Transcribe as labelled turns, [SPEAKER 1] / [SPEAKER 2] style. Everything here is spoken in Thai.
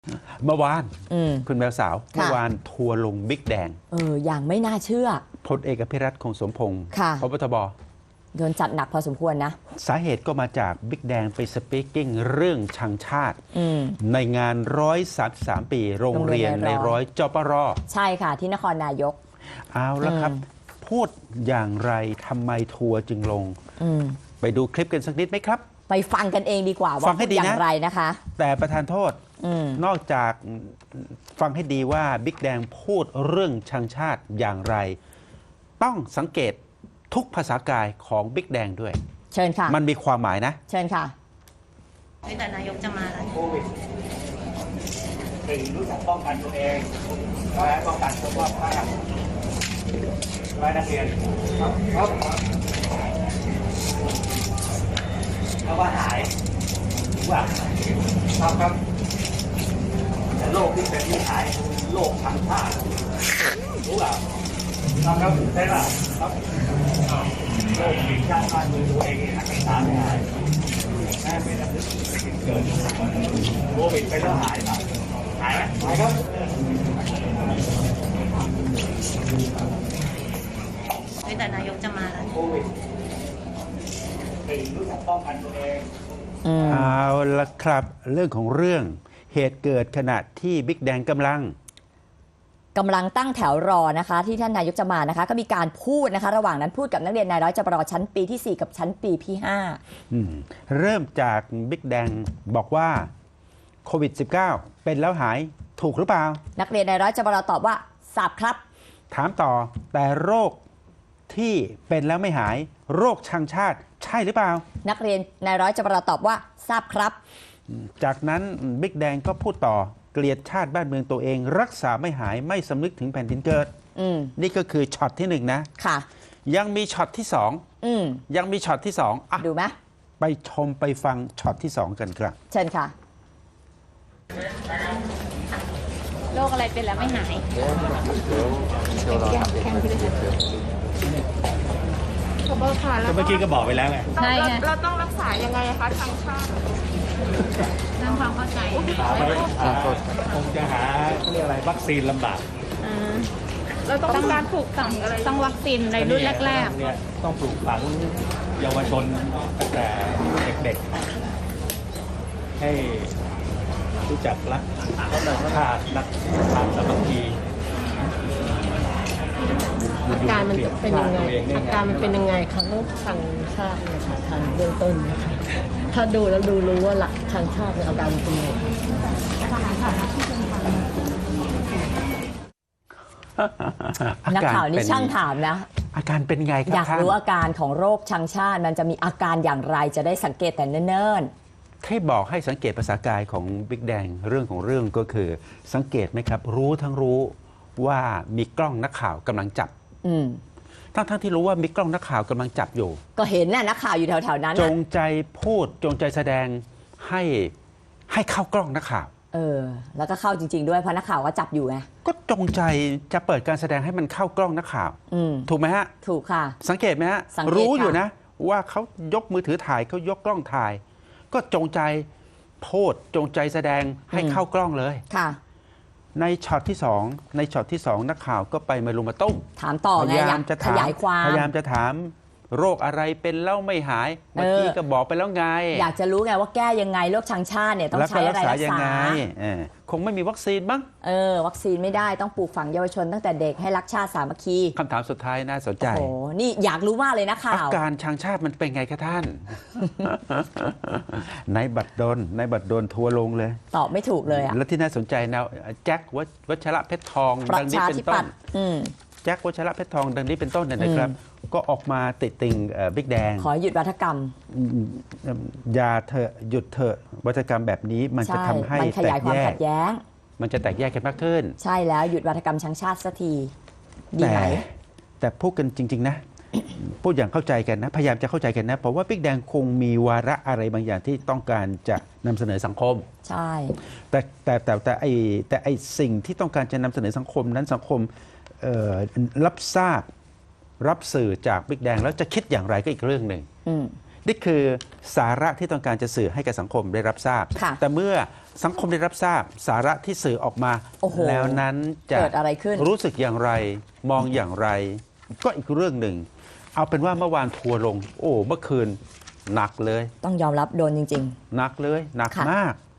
[SPEAKER 1] เมื่อวานคุณแมวสาวเมื่อวานทัวร์ลงบิ๊กแดง
[SPEAKER 2] อย่างไม่น่าเชื่อ
[SPEAKER 1] พลเอกอภิรัตน์คงสมพงศ์พบทบ
[SPEAKER 2] โดนจัดหนักพอสมควรนะ
[SPEAKER 1] สาเหตุก็มาจากบิ๊กแดงไปสปีกกิ้งเรื่องชังชาติในงาน133 ปีโรงเรียนในร้อยจปร
[SPEAKER 2] ใช่ค่ะที่นครนายก
[SPEAKER 1] เอาละครับพูดอย่างไรทำไมทัวร์จึงลงไปดูคลิปกันสักนิดไหมครับ
[SPEAKER 2] ไปฟังกันเองดีกว่าว่าพูดอย่างไรนะคะ
[SPEAKER 1] แต่ประธานโทษนอกจากฟังให้ดีว่าบิ๊กแดงพูดเรื่องชังชาติอย่างไรต้องสังเกตทุกภาษากายของบิ๊กแดงด้วย
[SPEAKER 2] เชิญค่ะ
[SPEAKER 1] มันมีความหมายนะ
[SPEAKER 2] เชิญค่ะ
[SPEAKER 3] แต่นายกจะมาแล้ว
[SPEAKER 4] โควิดถึงรู้จักป้องกันตัวเองและป้องกันสุขภาพและนักเรียนครับแล้วว่าหายว่าครับแต่โรคที่เป็นที่หายโรคทางชาติรู้เปล่าครับใช่ป่ะครับโรคผิดชาติบ้านเมืองตัวเองรักษาไม่หายแม่เป็นอะไรเกิดโควิดไปแล้วหายป่ะหายไหมหายครับ
[SPEAKER 3] แต่นายกจะมาแล้ว
[SPEAKER 4] โควิดถึงรู้จักป้องกันตัวเอง
[SPEAKER 1] เอาละครับเรื่องของเรื่องเหตุเกิดขณะที่บิ๊กแดงกำลัง
[SPEAKER 2] ตั้งแถวรอนะคะที่ท่านนายกจะมานะคะก็มีการพูดนะคะระหว่างนั้นพูดกับนักเรียนนายร้อยจปรชั้นปีที่4กับชั้นปีที่
[SPEAKER 1] 5เริ่มจากบิ๊กแดงบอกว่าโควิด -19 เป็นแล้วหายถูกหรือเปล่า
[SPEAKER 2] นักเรียนนายร้อยจปรตอบว่าทราบครับ
[SPEAKER 1] ถามต่อแต่โรคที่เป็นแล้วไม่หายโรคชังชาติใช่หรือเปล่า
[SPEAKER 2] นักเรียนนายร้อยจปรตอบว่าทราบครับ
[SPEAKER 1] จากนั้นบิ๊กแดงก็พูดต่อเกลียดชาติบ้านเมืองตัวเองรักษาไม่หายไม่สำนึกถึงแผ่นดินเกิดนี่ก็คือช็อตที่1นะ
[SPEAKER 2] ค่ะ
[SPEAKER 1] ยังมีช็อตที่2ยังมีช็อตที่2
[SPEAKER 2] ดูไหม
[SPEAKER 1] ไปชมไปฟังช็อตที่2กันครับ
[SPEAKER 2] เชิญค่ะ
[SPEAKER 3] โรคอะไรเป็นแล้วไม่หาย
[SPEAKER 4] เมื่อกี้ก็บอกไปแล้วไง
[SPEAKER 3] ใช่ไง
[SPEAKER 5] เราต้องรักษายังไงคะทางชาติ
[SPEAKER 3] ทำความเข้าใจ
[SPEAKER 4] คงจะหาเรียกอะไรวัคซีนลำบาก
[SPEAKER 5] เราต้องการปลูกฝังอะไร
[SPEAKER 3] ต้องวัคซีนในรุ่นแรก
[SPEAKER 4] ๆเนี่ยต้องปลูกฝังเยาวชนตั้งแต่เด็กๆให้รู้จักรักชาติรักความสามัคคี
[SPEAKER 5] อาการมันเป็นยังไงอาการมันเป็นยังไงคะโรคชังชาติเนี่ยค่ะทางเบื้องต้นนะคะถ้าดูแล้วรู้ว่าหลักชังชาติอาการเป็นยังไง
[SPEAKER 2] นักข่าวนี่ช่างถามนะ
[SPEAKER 1] อาการเป็นไงครับ
[SPEAKER 2] อยากรู้อาการของโรคชังชาติมันจะมีอาการอย่างไรจะได้สังเกตแต่เนิ่น
[SPEAKER 1] ๆที่บอกให้สังเกตภาษากายของบิ๊กแดงเรื่องของเรื่องก็คือสังเกตไหมครับรู้ทั้งรู้ว่ามีกล้องนักข่าวกำลังจับทั้งที่รู้ว่ามีกล้องนักข่าวกำลังจับอยู่
[SPEAKER 2] ก็เห็นน่ะนักข่าวอยู่แถวๆนั้น
[SPEAKER 1] จงใจพูดจงใจแสดงให้เข้ากล้องนักข่าว
[SPEAKER 2] แล้วก็เข้าจริงๆด้วยเพราะนักข่าวก็จับอยู่ไง
[SPEAKER 1] ก็จงใจจะเปิดการแสดงให้มันเข้ากล้องนักข่าวถูกไหมฮะ
[SPEAKER 2] ถูกค่ะ
[SPEAKER 1] สังเกตไหมฮะรู้อยู่นะว่าเขายกมือถือถ่ายเขายกกล้องถ่ายก็จงใจพูดจงใจแสดงให้เข้ากล้องเลย
[SPEAKER 2] ค่ะ
[SPEAKER 1] ในช็อตที่2นักข่าวก็ไปมาลุมมาตุ้ม
[SPEAKER 2] ถามต่อไงอยากขยายความ
[SPEAKER 1] พยายามจะถามโรคอะไรเป็นแล้วไม่หายเมื่อกี้ก็บอกไปแล้วไง
[SPEAKER 2] อยากจะรู้ไงว่าแก้ยังไงโรคชังชาติเนี่ยต้องใช้อะไรรักษายังไง
[SPEAKER 1] คงไม่มีวัคซีนบ้าง
[SPEAKER 2] วัคซีนไม่ได้ต้องปลูกฝังเยาวชนตั้งแต่เด็กให้รักชาติสามัคคี
[SPEAKER 1] คำถามสุดท้ายน่าสนใจ
[SPEAKER 2] โอ้นี่อยากรู้มากเลยนะข่าว
[SPEAKER 1] อาการชังชาติมันเป็นไงคะท่านในบัตรดลทัวร์ลงเลย
[SPEAKER 2] ตอบไม่ถูกเลย
[SPEAKER 1] แล้วที่น่าสนใจนะแจ็ควัชระเพชรทองดังนี้เป็นต้นแจ็ควัชระเพชรทองดังนี้เป็นต้นนะครับก็ออกมาติดติงบิ๊กแดง
[SPEAKER 2] ขอหยุดวัฒกรรม
[SPEAKER 1] อย่าเถอะหยุดเถอะวัฒกรรมแบบนี้มันจะทำให้
[SPEAKER 2] แตกแยก
[SPEAKER 1] มันจะแตกแยกกันมากขึ้น
[SPEAKER 2] ใช่แล้วหยุดวัฒกรรมชังชาติสักทีดีไหม
[SPEAKER 1] แต่พูดกันจริงๆนะพูดอย่างเข้าใจกันนะพยายามจะเข้าใจกันนะเพราะว่าบิ๊กแดงคงมีวาระอะไรบางอย่างที่ต้องการจะนำเสนอสังคม
[SPEAKER 2] ใช่
[SPEAKER 1] แต่ไอสิ่งที่ต้องการจะนำเสนอสังคมนั้นสังคมรับทราบรับสื่อจากบิ๊กแดงแล้วจะคิดอย่างไรก็อีกเรื่องหนึ่งนี่คือสาระที่ต้องการจะสื่อให้กับสังคมได้รับทราบ
[SPEAKER 2] ค่ะ
[SPEAKER 1] แต่เมื่อสังคมได้รับทราบสาระที่สื่อออกมา
[SPEAKER 2] โอ้โห
[SPEAKER 1] แล้วนั้นจะ
[SPEAKER 2] เกิดอะไรขึ้น
[SPEAKER 1] รู้สึกอย่างไรมองอย่างไร ก็อีกเรื่องหนึ่ง เอาเป็นว่าเมื่อวานทัวร์ลง โอ้เมื่อคืนหนักเลย
[SPEAKER 2] ต้องยอมรับโดนจริง
[SPEAKER 1] หนักเลยหนัก
[SPEAKER 2] ค่ะ
[SPEAKER 1] มาก